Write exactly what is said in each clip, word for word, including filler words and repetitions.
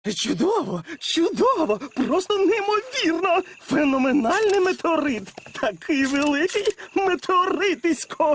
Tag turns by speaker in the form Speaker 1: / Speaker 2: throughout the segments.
Speaker 1: Чудово, чудово, просто неймовірно. Феноменальний метеорит. Такий великий метеоритисько.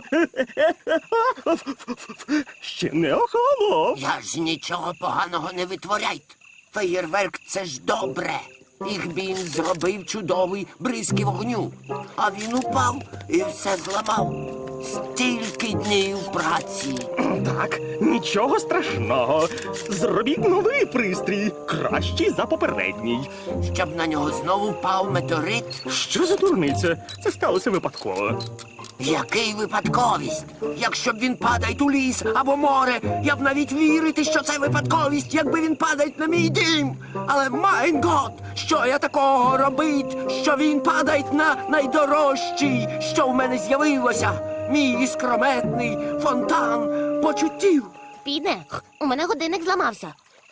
Speaker 1: Ще не охолонув.
Speaker 2: Я ж нічого поганого не витворяйте. Феєрверк – це ж добре. Їх він зробив чудовий бризки вогню. А він упав і все зламав. Стільки днів праці.
Speaker 1: Так, нічого страшного. Зробіть новий пристрій, кращий за попередній.
Speaker 2: Щоб на нього знову впав метеорит.
Speaker 1: Що за дурниця? Це сталося випадково.
Speaker 2: Який випадковість? Якщо б він падає у ліс або море, я б навіть вірити, що це випадковість, якби він падає на мій дім. Але, майн гот, що я такого робить, що він падає на найдорожчий, що в мене з'явилося? Мій іскрометний фонтан почуттів.
Speaker 3: Піде, у мене годинник зламався.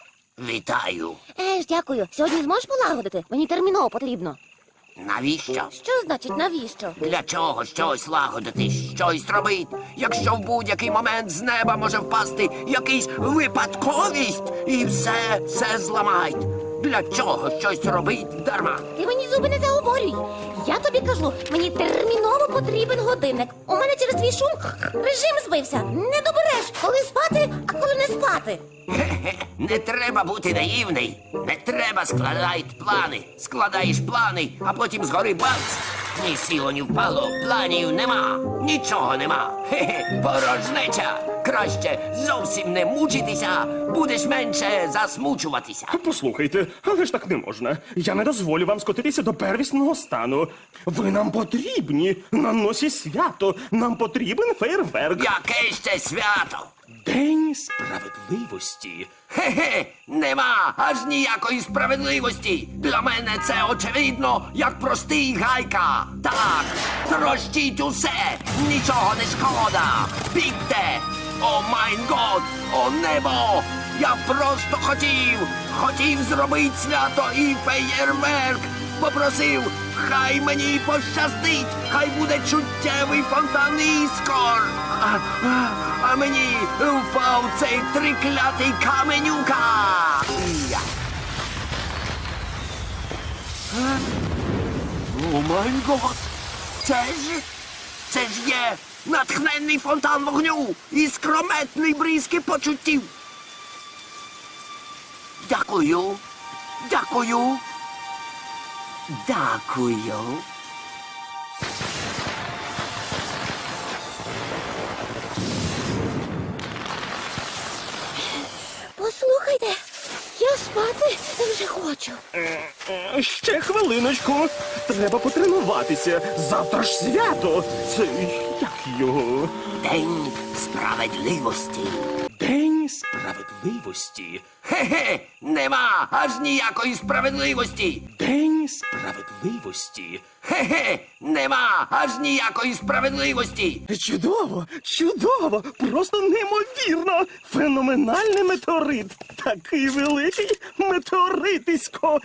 Speaker 2: Вітаю.
Speaker 3: Еж, дякую. Сьогодні зможеш полагодити? Мені терміново потрібно.
Speaker 2: Навіщо?
Speaker 3: Що значить навіщо?
Speaker 2: Для чого щось лагодити, щось робить, якщо в будь-який момент з неба може впасти якийсь випадковість і все, все зламають. Для чого щось робить дарма?
Speaker 3: Ти мені зуби не заговорюй. Я тобі кажу, мені терміново потрібен годинник. У мене через твій шум режим збився. Не добереш, коли спати, а коли не спати.
Speaker 2: Хе-хе, не треба бути наївний. Не треба складати плани. Складаєш плани, а потім згори бац. Ні сіло, ні впало, планів нема. Нічого нема. Хе-хе, порожнеча. Краще зовсім не мучитися, будеш менше засмучуватися.
Speaker 1: Послухайте, але ж так не можна. Я не дозволю вам скотитися до первісного стану. Ви нам потрібні. На носі свято. Нам потрібен фейерверк.
Speaker 2: Яке ще свято?
Speaker 1: День справедливості.
Speaker 2: Хе-хе, нема аж ніякої справедливості. Для мене це очевидно, як простий гайка. Так, трощіть усе, нічого не шкода. Бігте! О майн год, о небо! Я просто хотів, хотів зробити свято і феєрверк. Попросив, хай мені пощастить, хай буде чуттєвий фонтан іскор. А, а, а мені впав цей триклятий каменюка. Я. А? О май гот! Це ж, це ж є натхненний фонтан вогню і скрометний бризки почуттів. Дякую, дякую, дякую.
Speaker 3: Послухайте, я спати вже хочу.
Speaker 1: Е, Ще хвилиночку. Треба потренуватися. Завтра ж свято. Це як його?
Speaker 2: День справедливості.
Speaker 1: День справедливості.
Speaker 2: Хе-хе, нема аж ніякої справедливості.
Speaker 1: День справедливості.
Speaker 2: Хе-хе, нема аж ніякої справедливості.
Speaker 1: Чудово, чудово, просто неймовірно. Феноменальний метеорит. Такий великий метеоритисько.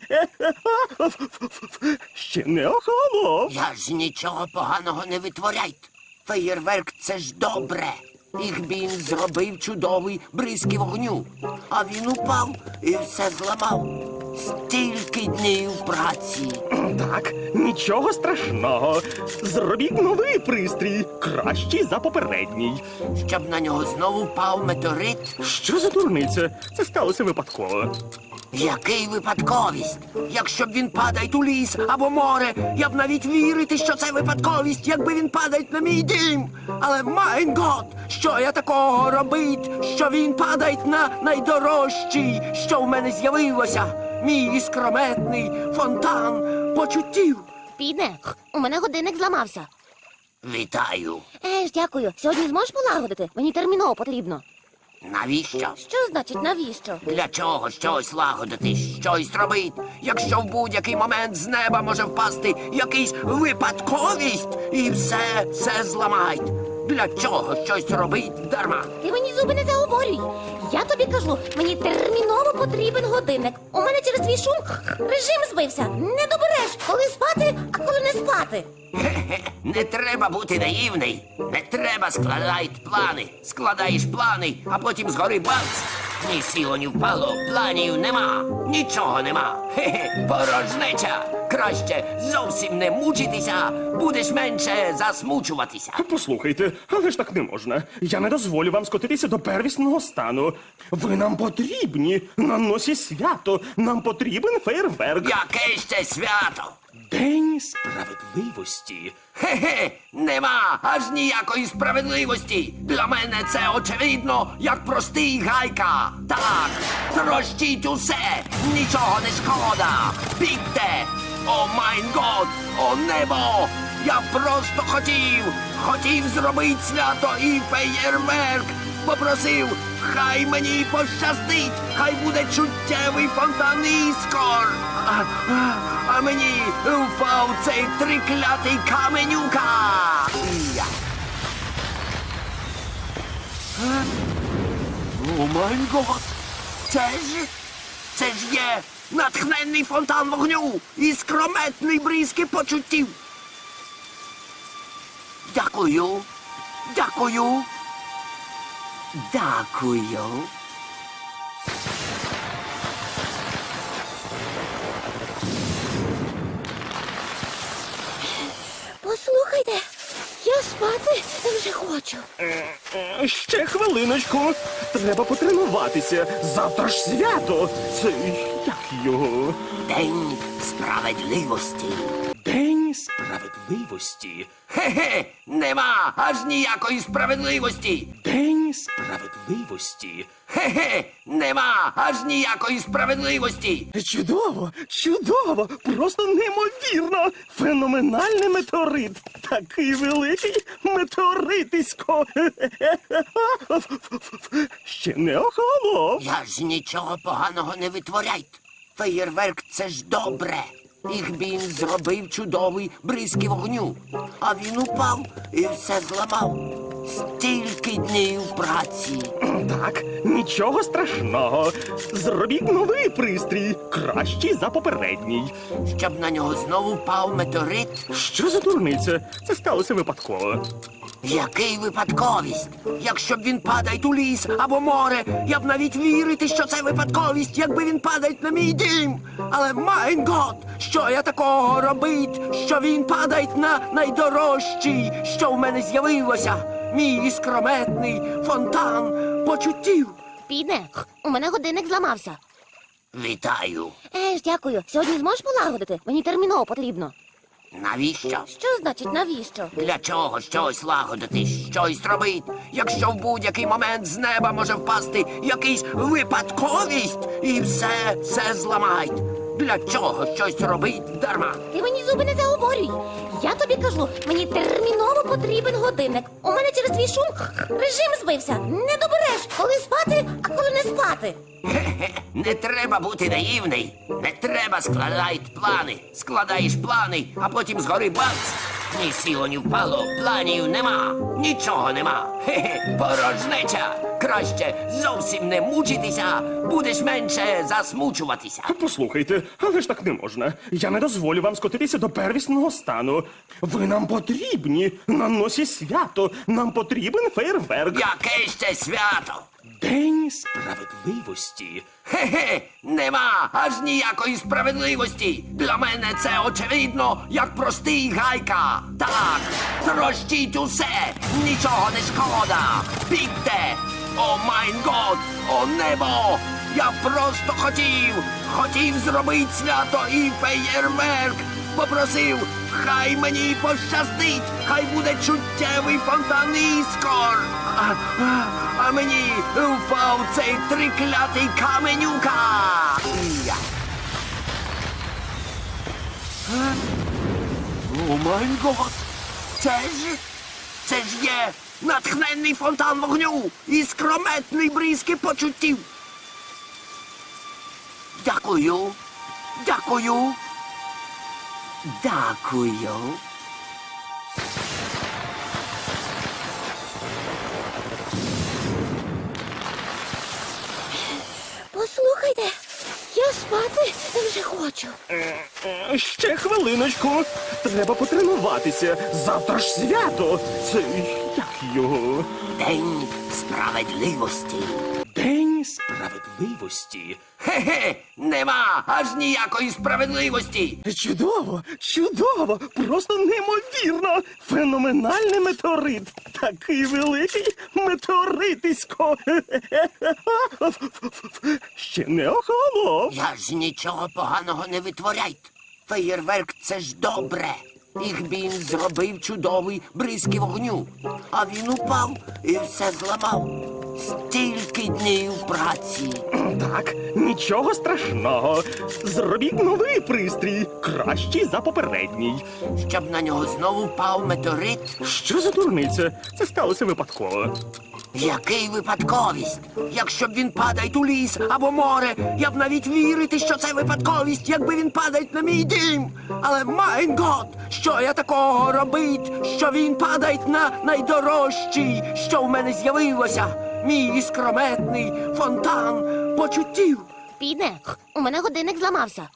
Speaker 1: Ще не охолонув.
Speaker 2: Я ж нічого поганого не витворяйте. Феєрверк – це ж добре. Їх він зробив чудовий бризки вогню. А він упав і все зламав. Стільки днів праці.
Speaker 1: Так, нічого страшного. Зробіть новий пристрій, кращий за попередній.
Speaker 2: Щоб на нього знову впав метеорит.
Speaker 1: Що за дурниця? Це сталося випадково.
Speaker 2: Який випадковість? Якщо б він падає у ліс або море, я б навіть вірити, що це випадковість, якби він падає на мій дім. Але, майн гот, що я такого робить, що він падає на найдорожчий, що в мене з'явилося? Мій іскрометний фонтан почуттів.
Speaker 3: Піде, у мене годинник зламався.
Speaker 2: Вітаю.
Speaker 3: Еж, дякую. Сьогодні зможеш полагодити? Мені терміново потрібно.
Speaker 2: Навіщо?
Speaker 3: Що значить навіщо?
Speaker 2: Для чого щось лагодити, щось робить, якщо в будь-який момент з неба може впасти якийсь випадковість і все, все зламають. Для чого щось робить дарма?
Speaker 3: Ти мені зуби не заговорюй. Я тобі кажу, мені терміново потрібен годинник. У мене через твій шум режим збився. Не добереш, коли спати, а коли не спати.
Speaker 2: Хе-хе, не треба бути наївний. Не треба складати плани. Складаєш плани, а потім згори бац. Ні сіло, ні впало, планів нема, нічого нема. Хе-хе, порожнеча. Краще зовсім не мучитися, будеш менше засмучуватися.
Speaker 1: Послухайте, але ж так не можна. Я не дозволю вам скотитися до первісного стану. Ви нам потрібні на носі свято. Нам потрібен фейерверк.
Speaker 2: Яке ще свято?
Speaker 1: День справедливості.
Speaker 2: Хе-хе, нема аж ніякої справедливості. Для мене це очевидно, як простий гайка. Так, трощіть усе, нічого не шкода. Бігте! О майн год, о небо! Я просто хотів, хотів зробити свято і феєрверк. Попросив, хай мені пощастить, хай буде чуттєвий фонтан іскор. А, а, а мені впав цей триклятий каменюка. Я. Е? О май гот! Це ж, це ж є натхненний фонтан вогню і скрометний бризки почуттів. Дякую, дякую, дякую.
Speaker 3: Послухайте, я спати вже хочу.
Speaker 1: Е, Ще хвилиночку. Треба потренуватися. Завтра ж свято. Це як його?
Speaker 2: День справедливості.
Speaker 1: День справедливості.
Speaker 2: Хе-хе, нема аж ніякої справедливості.
Speaker 1: День справедливості.
Speaker 2: Хе-хе, нема аж ніякої справедливості.
Speaker 1: Чудово, чудово, просто неймовірно. Феноменальний метеорит. Такий великий метеоритисько. Ще не охолонув.
Speaker 2: Я ж нічого поганого не витворяйте. Феєрверк — це ж добре. Їх він зробив чудовий бризки вогню. А він упав і все зламав. Стільки днів праці.
Speaker 1: Так, нічого страшного. Зробіть новий пристрій, кращий за попередній.
Speaker 2: Щоб на нього знову впав метеорит.
Speaker 1: Що за дурниця? Це сталося випадково.
Speaker 2: Який випадковість? Якщо б він падає у ліс або море, я б навіть вірити, що це випадковість, якби він падає на мій дім. Але майн гот, що я такого робить, що він падає на найдорожчий, що в мене з'явилося. Мій іскрометний фонтан почуттів.
Speaker 3: Підне, у мене годинник зламався.
Speaker 2: Вітаю.
Speaker 3: Е ж, дякую. Сьогодні зможеш полагодити? Мені терміново потрібно.
Speaker 2: Навіщо?
Speaker 3: Що значить навіщо?
Speaker 2: Для чого щось лагодити, щось робить, якщо в будь-який момент з неба може впасти якийсь випадковість і все, все зламають. Для чого щось робить дарма?
Speaker 3: Ти мені зуби не заговорюй. Я тобі кажу, мені терміново потрібен годинник. У мене через твій шум режим збився. Не добереш, коли спати, а коли не спати.
Speaker 2: Хе-хе, не треба бути наївний. Не треба складати плани. Складаєш плани, а потім згори бац. Ні сіло, ні впало, планів нема, нічого нема. Хе-хе, порожнеча. Краще зовсім не мучитися, будеш менше засмучуватися.
Speaker 1: Послухайте, але ж так не можна. Я не дозволю вам скотитися до первісного стану. Ви нам потрібні на носі свято. Нам потрібен фейерверк.
Speaker 2: Яке ще свято?
Speaker 1: День справедливості.
Speaker 2: Хе-хе, нема аж ніякої справедливості. Для мене це очевидно, як простий гайка. Так, трощіть усе, нічого не шкода. Бігте! О майн год, о небо! Я просто хотів, хотів зробити свято і феєрверк. Попросив, хай мені пощастить, хай буде чуттєвий фонтан іскор. А, а, а мені впав цей триклятий каменюка. Я. Е? О май гот! Це ж, це ж є натхненний фонтан вогню і скрометний бризки почуттів. Дякую, дякую, дякую.
Speaker 3: Послухайте, я спати вже хочу.
Speaker 1: Е, Ще хвилиночку. Треба потренуватися. Завтра ж свято. Це як його?
Speaker 2: День справедливості.
Speaker 1: День
Speaker 2: Справедливості? Хе-хе, нема аж ніякої справедливості.
Speaker 1: Чудово, чудово, просто неймовірно. Феноменальний метеорит. Такий великий метеоритисько. Ще не охолонув.
Speaker 2: Я ж нічого поганого не витворяйте. Феєрверк — це ж добре. Їх він зробив чудовий бризки вогню. А він упав і все зламав. Стільки днів праці.
Speaker 1: Так, нічого страшного. Зробіть новий пристрій, кращий за попередній.
Speaker 2: Щоб на нього знову впав метеорит.
Speaker 1: Що за дурниця? Це сталося випадково.
Speaker 2: Який випадковість? Якщо б він падає у ліс або море, я б навіть вірити, що це випадковість, якби він падає на мій дім. Але, майн год, що я такого робить, що він падає на найдорожчий, що в мене з'явилося? Мій іскрометний фонтан почуттів.
Speaker 3: Піде, у мене годинник зламався.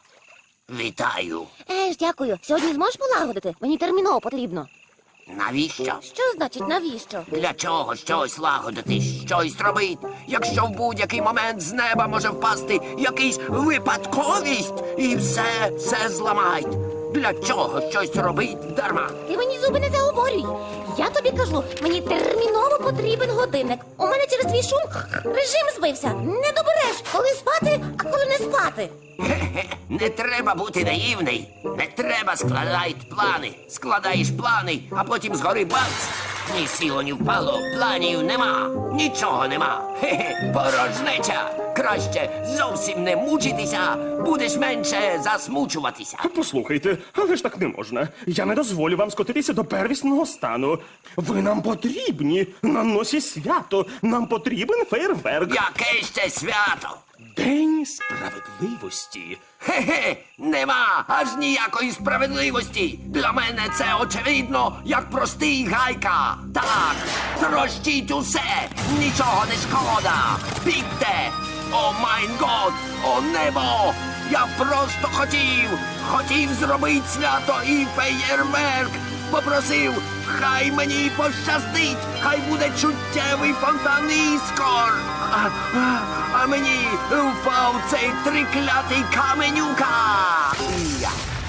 Speaker 2: Вітаю.
Speaker 3: Еж, дякую. Сьогодні зможеш полагодити? Мені терміново потрібно.
Speaker 2: Навіщо?
Speaker 3: Що значить навіщо?
Speaker 2: Для чого щось лагодити, щось робити, якщо в будь-який момент з неба може впасти якийсь випадковість і все, все зламають? Для чого щось робить дарма?
Speaker 3: Ти мені зуби не заговорюй. Я тобі кажу, мені терміново потрібен годинник. У мене через твій шум режим збився. Не добереш, коли спати, а коли не спати.
Speaker 2: Хе-хе, не треба бути наївний. Не треба складати плани. Складаєш плани, а потім згори бац. Ні сіло, ні впало, планів нема. Нічого нема. Хе-хе, порожнеча. Краще зовсім не мучитися, будеш менше засмучуватися.
Speaker 1: Послухайте, але ж так не можна. Я не дозволю вам скотитися до первісного стану. Ви нам потрібні на носі свято. Нам потрібен фейерверк.
Speaker 2: Яке ще свято?
Speaker 1: День справедливості.
Speaker 2: Хе-хе, нема аж ніякої справедливості. Для мене це очевидно, як простий гайка. Так, трощіть усе, нічого не шкода. Бігте! О майн год, о небо! Я просто хотів, хотів зробити свято і феєрверк. Попросив, хай мені пощастить, хай буде чуттєвий фонтан іскор. А, а, а мені впав цей триклятий каменюка. Я.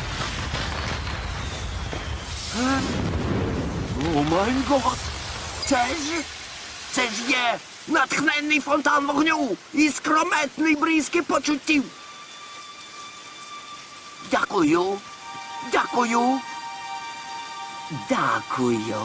Speaker 2: Е? О май гот! Це ж, це ж є натхненний фонтан вогню і скрометний бризки почуттів. Дякую, дякую. Дякую.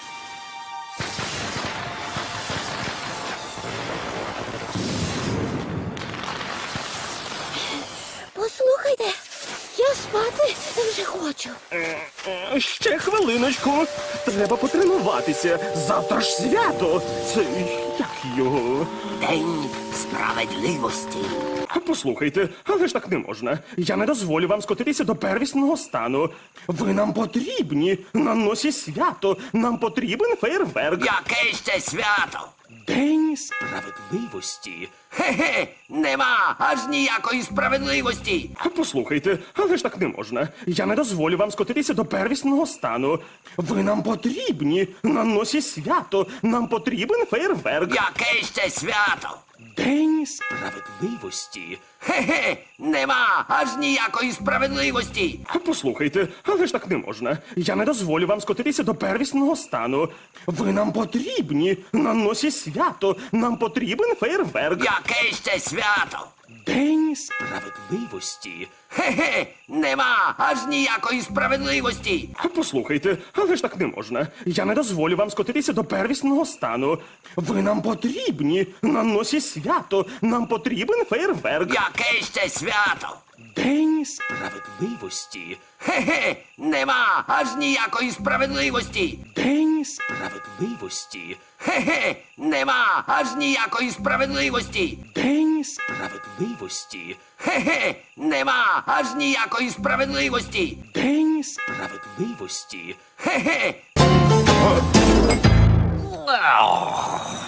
Speaker 3: Послухайте, я спати вже хочу.
Speaker 1: Е, Ще хвилиночку. Треба потренуватися. Завтра ж свято. Це як його?
Speaker 2: День справедливості.
Speaker 1: Послухайте, але ж так не можна. Я не дозволю вам скотитися до первісного стану. Ви нам потрібні на носі свято. Нам потрібен фейерверк.
Speaker 2: Яке ще свято?
Speaker 1: День справедливості.
Speaker 2: Хе-хе, нема аж ніякої справедливості.
Speaker 1: Послухайте, але ж так не можна. Я не дозволю вам скотитися до первісного стану. Ви нам потрібні на носі свято. Нам потрібен фейерверк.
Speaker 2: Яке ще свято?
Speaker 1: День справедливості.
Speaker 2: Хе-хе, нема аж ніякої справедливості.
Speaker 1: Послухайте, але ж так не можна. Я не дозволю вам скотитися до первісного стану. Ви нам потрібні на носі свято. Нам потрібен фейерверк.
Speaker 2: Яке ще свято?
Speaker 1: День справедливості.
Speaker 2: Хе-хе, нема аж ніякої справедливості.
Speaker 1: Послухайте, але ж так не можна. Я не дозволю вам скотитися до первісного стану. Ви нам потрібні на носі свято. Нам потрібен фейерверк.
Speaker 2: Яке ще свято?
Speaker 1: День справедливості.
Speaker 2: Хе-хе, нема аж ніякої справедливості.
Speaker 1: День справедливості.
Speaker 2: Хе-хе, нема аж ніякої справедливості.
Speaker 1: День справедливості.
Speaker 2: Хе-хе, нема аж ніякої справедливості.
Speaker 1: День справедливості.
Speaker 2: Хе-хе.